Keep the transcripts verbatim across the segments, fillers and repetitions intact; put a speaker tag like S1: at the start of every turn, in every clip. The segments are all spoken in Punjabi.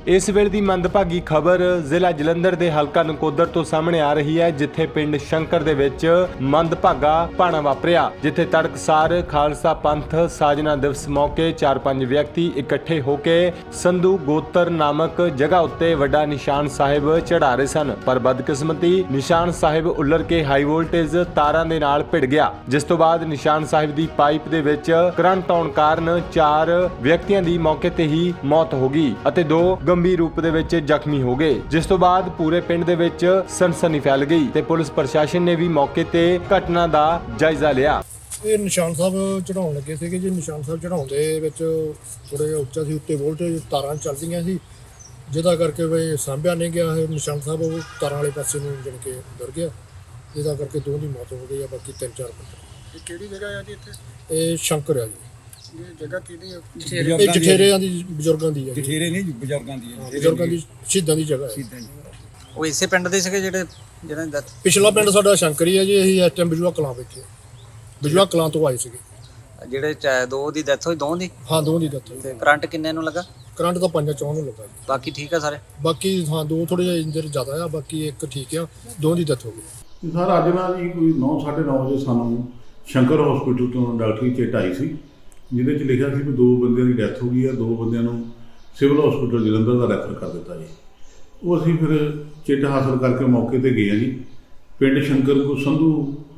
S1: इस वेले दी मंदभागी खबर जिला जलंधर दे हलका नकोदर तो सामने आ रही है, जिथे पिंड शंकर दे विच मंदभागा भाणा वापरिया, जिथे तड़कसार खालसा पंथ साजना दिवस मौके चार पंज व्यक्ति इकट्ठे होके संधू गोत्र नामक जगह उत्ते वड्डा निशान साहिब चढ़ा रहे सन, पर बदकिस्मती निशान साहिब उलर के हाई वोल्टेज तारां दे नाल भिड़ गया, जिस तो बाद निशान साहिब दी पाइप दे विच करंट आउण कारण चार व्यक्तियों की मौके ते ही मौत हो गई ਅਤੇ दो गंभीर रूप ਦੇ ਵਿੱਚ ਜ਼ਖਮੀ ਹੋ ਗਏ, ਜਿਸ ਤੋਂ ਬਾਅਦ ਪੂਰੇ ਪਿੰਡ ਦੇ ਵਿੱਚ ਸਨਸਨੀ ਫੈਲ ਗਈ ਤੇ ਪੁਲਿਸ ਪ੍ਰਸ਼ਾਸਨ ਨੇ ਵੀ ਮੌਕੇ ਤੇ ਘਟਨਾ ਦਾ ਜਾਇਜ਼ਾ ਲਿਆ।
S2: ਇਹ ਨਿਸ਼ਾਨ ਸਾਹਿਬ ਚੜਾਉਣ ਲੱਗੇ ਸੀਗੇ ਜੀ। ਨਿਸ਼ਾਨ ਸਾਹਿਬ ਚੜਾਉਣ ਦੇ ਵਿੱਚ ਥੋੜ੍ਹਾ ਜਿਹਾ ਉੱਚਾ ਸੀ, ਉੱਤੇ ਵੋਲਟੇਜ ਤਾਰਾਂ ਚੱਲਦੀਆਂ ਸੀ, ਜਿਹਦਾ ਕਰਕੇ ਵੀ ਸਾਂਭਿਆ ਨਹੀਂ ਗਿਆ। ਇਹ ਨਿਸ਼ਾਨ ਸਾਹਿਬ ਉਹ ਤਾਰਾਂ ਵਾਲੇ ਪਾਸੇ ਨੂੰ ਜਣ ਕੇ ਡਰ ਗਿਆ, ਜਿਹਦਾ ਕਰਕੇ ਦੋ ਦੀ ਮੌਤ ਹੋ ਗਈ ਆ, ਬਾਕੀ ਤਿੰਨ ਚਾਰ ਬੰਦੇ।
S3: ਇਹ ਕਿਹੜੀ ਜਗ੍ਹਾ ਆ ਜੀ ਇੱਥੇ?
S2: ਇਹ ਸ਼ੰਕਰ ਆ ਜੀ।
S3: ਇਹ ਜਗ੍ਹਾ ਕਿਹਦੀ ਆ?
S2: ਇਹ ਜਠੇਰਿਆਂ ਦੀ ਬਜ਼ੁਰਗਾਂ ਦੀ ਹੈ ਜੀ।
S4: ਜਠੇਰੇ ਨਹੀਂ ਬਜ਼ੁਰਗਾਂ ਦੀ ਹੈ,
S2: ਬਜ਼ੁਰਗਾਂ ਦੀ ਸ਼ਹੀਦਾਂ ਦੀ ਜਗ੍ਹਾ ਹੈ।
S5: ਉਹ ਇਸੇ ਪਿੰਡ ਦੇ ਸੀਗੇ ਜਿਹੜੇ ਜਿਹਨਾਂ ਦੀ death?
S2: ਪਿਛਲਾ ਪਿੰਡ ਸਾਡਾ ਸ਼ੰਕਰੀ ਹੈ ਜੀ। ਅਸੀਂ ਇਸ ਟਾਈਮ ਬਜੂਆ ਕਲਾਂ ਬੈਠੇ, ਬਜੂਆ ਕਲਾਂ ਤੋਂ ਆਏ ਸੀਗੇ।
S5: ਜਿਹੜੇ ਚ- ਦੋ ਦੀ ਡੈਥ ਹੋਈ, ਦੋ ਦੀ?
S2: ਹਾਂ, ਦੋ ਦੀ ਦੱਤ ਹੋਈ।
S5: ਤੇ ਕਰੰਟ ਕਿੰਨੇ ਨੂੰ ਲੱਗਾ?
S2: ਕਰੰਟ ਤਾਂ ਪੰਜਾਂ ਚੌਂ ਨੂੰ ਲੱਗਾ ਜੀ।
S5: ਬਾਕੀ ਠੀਕ ਆ ਸਾਰੇ?
S2: ਬਾਕੀ ਹਾਂ ਦੋ ਥੋੜੇ ਜਿਹਾ ਇੰਜਰ ਜ਼ਿਆਦਾ ਆ, ਬਾਕੀ ਇੱਕ ਠੀਕ ਆ, ਦੋ ਦੀ ਦੱਤ ਹੋ ਗਈ।
S6: ਸਰ ਅੱਜ ਨਾ ਜੀ ਕੋਈ ਨੌ ਸਾਢੇ ਨੌ ਵਜੇ ਸਾਨੂੰ ਸ਼ੰਕਰ ਹਸਪੀਟਲ ਤੋਂ ਡਾਕਟਰੀ ਚਿੱਟ ਆਈ ਸੀ, ਜਿਹਦੇ 'ਚ ਲਿਖਿਆ ਸੀ ਵੀ ਦੋ ਬੰਦਿਆਂ ਦੀ ਡੈਥ ਹੋ ਗਈ ਆ, ਦੋ ਬੰਦਿਆਂ ਨੂੰ ਸਿਵਲ ਹਸਪੀਟਲ ਜਲੰਧਰ ਦਾ ਰੈਫਰ ਕਰ ਦਿੱਤਾ ਜੀ। ਉਹ ਅਸੀਂ ਫਿਰ ਚਿੱਟ ਹਾਸਲ ਕਰਕੇ ਮੌਕੇ ਤੇ ਗਏ ਆ ਜੀ। ਪਿੰਡ ਸ਼ੰਕਰ ਕੋ ਸੰਧੂ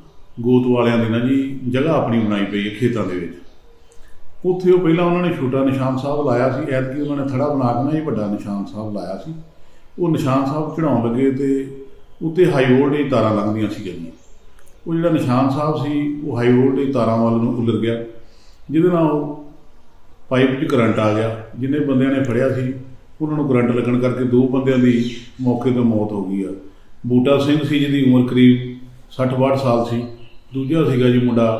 S6: ਗੋਤ ਵਾਲਿਆਂ ਦੀ ਨਾ ਜੀ ਜਗ੍ਹਾ ਆਪਣੀ ਬਣਾਈ ਪਈ ਹੈ ਖੇਤਾਂ ਦੇ ਵਿੱਚ। ਉੱਥੇ ਉਹ ਪਹਿਲਾਂ ਉਹਨਾਂ ਨੇ ਛੋਟਾ ਨਿਸ਼ਾਨ ਸਾਹਿਬ ਲਾਇਆ ਸੀ, ਐਤਕੀ ਉਹਨਾਂ ਨੇ ਥੜਾ ਬਣਾ ਕੇ ਨਾ ਜੀ ਵੱਡਾ ਨਿਸ਼ਾਨ ਸਾਹਿਬ ਲਾਇਆ ਸੀ। ਉਹ ਨਿਸ਼ਾਨ ਸਾਹਿਬ ਚੜਾਉਣ ਲੱਗੇ ਤੇ ਉੱਤੇ ਹਾਈ ਵੋਲਟੇਜ ਤਾਰਾਂ ਲੰਘਦੀਆਂ ਸੀ ਜੀ। ਉਹ ਜਿਹੜਾ ਨਿਸ਼ਾਨ ਸਾਹਿਬ ਸੀ ਉਹ ਹਾਈ ਵੋਲਟੇਜ ਤਾਰਾਂ ਵੱਲ ਨੂੰ ਉਲਰ ਗਿਆ, ਜਿਹਦੇ ਨਾਲ ਉਹ ਪਾਈਪ 'ਚ ਕਰੰਟ ਆ ਗਿਆ। ਜਿੰਨੇ ਬੰਦਿਆਂ ਨੇ ਫੜਿਆ ਸੀ ਉਹਨਾਂ ਨੂੰ ਕਰੰਟ ਲੱਗਣ ਕਰਕੇ ਦੋ ਬੰਦਿਆਂ ਦੀ ਮੌਕੇ 'ਤੇ ਮੌਤ ਹੋ ਗਈ ਆ। ਬੂਟਾ ਸਿੰਘ ਸੀ ਜਿਹਦੀ ਉਮਰ ਕਰੀਬ ਸੱਠ ਬਾਹਠ ਸਾਲ ਸੀ। ਦੂਜਾ ਸੀਗਾ ਜੀ ਮੁੰਡਾ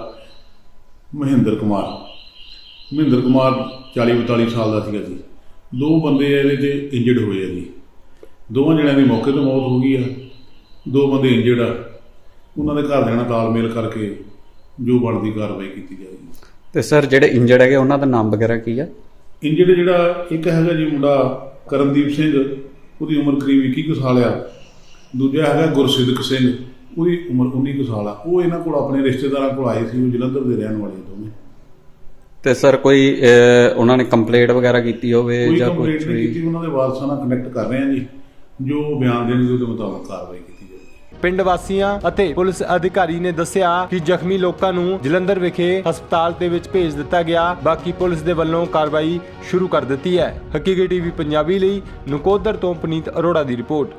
S6: ਮਹਿੰਦਰ ਕੁਮਾਰ, ਮਹਿੰਦਰ ਕੁਮਾਰ ਚਾਲੀ ਬਤਾਲੀ ਸਾਲ ਦਾ ਸੀਗਾ ਜੀ। ਦੋ ਬੰਦੇ ਇਹਦੇ 'ਚ ਇੰਜਰਡ ਹੋਏ ਆ ਜੀ। ਦੋਵਾਂ ਜਣਿਆਂ ਦੀ ਮੌਕੇ 'ਤੇ ਮੌਤ ਹੋ ਗਈ ਆ, ਦੋ ਬੰਦੇ ਇੰਜਰਡ ਆ। ਉਹਨਾਂ ਦੇ ਘਰਦਿਆਂ ਨਾਲ ਤਾਲਮੇਲ ਕਰਕੇ ਜੋ ਬਣਦੀ ਕਾਰਵਾਈ ਕੀਤੀ ਜਾਏਗੀ।
S7: ਤੇ ਸਰ ਜਿਹੜੇ ਇੰਜਰਡ ਹੈਗੇ ਉਹਨਾਂ ਦਾ ਨਾਮ ਵਗੈਰਾ ਕੀ ਆ?
S6: ਇੰਜਰਡ ਜਿਹੜਾ ਇੱਕ ਹੈਗਾ ਜੀ ਮੁੰਡਾ ਕਰਨਦੀਪ ਸਿੰਘ, ਉਹਦੀ ਉਮਰ ਕਰੀਬ ਇੱਕੀ ਕੁ ਸਾਲ ਆ। ਦੂਜਾ ਹੈਗਾ ਗੁਰਸਿੱਧਕ ਸਿੰਘ, ਉਹਦੀ ਉਮਰ ਉੱਨੀ ਕੁ ਸਾਲ ਆ। ਉਹ ਇਹਨਾਂ ਕੋਲ ਆਪਣੇ ਰਿਸ਼ਤੇਦਾਰਾਂ ਕੋਲ ਆਏ ਸੀ, ਉਹ ਜਲੰਧਰ ਦੇ ਰਹਿਣ ਵਾਲੇ ਦੋਵੇਂ।
S7: ਤੇ ਸਰ ਕੋਈ ਅਹ, ਉਹਨਾਂ ਨੇ ਕੰਪਲੇਂਟ ਵਗੈਰਾ ਕੀਤੀ ਹੋਵੇ
S6: ਕੋਈ
S7: ਜਾਂ
S6: ਕੰਪਲੇਂਟ
S7: ਕੁਝ
S6: ਨਹੀਂ
S7: ਵੀ?
S6: ਕੀਤੀ। ਉਹਨਾਂ ਦੇ ਵਾਰਸਾਂ ਨਾਲ ਕਨੈਕਟ ਕਰ ਰਹੇ ਆ ਜੀ, ਜੋ ਬਿਆਨ ਦੇਣਗੇ ਉਹਦੇ ਮੁਤਾਬਕ ਕਾਰਵਾਈ ਕੀਤੀ ਜਾਏਗੀ।
S1: ਪਿੰਡ ਵਾਸੀਆਂ ਅਤੇ ਪੁਲਿਸ ਅਧਿਕਾਰੀ ਨੇ ਦੱਸਿਆ ਕਿ ਜ਼ਖਮੀ ਲੋਕਾਂ ਨੂੰ ਜਲੰਧਰ ਵਿਖੇ ਹਸਪਤਾਲ ਦੇ ਵਿੱਚ ਭੇਜ ਦਿੱਤਾ ਗਿਆ। ਬਾਕੀ ਪੁਲਿਸ ਦੇ ਵੱਲੋਂ ਕਾਰਵਾਈ ਸ਼ੁਰੂ ਕਰ ਦਿੱਤੀ ਹੈ। ਹਕੀਕੀ ਟੀਵੀ ਪੰਜਾਬੀ ਲਈ ਨਕੋਦਰ ਤੋਂ ਪੁਨੀਤ ਅਰੋੜਾ ਦੀ ਰਿਪੋਰਟ।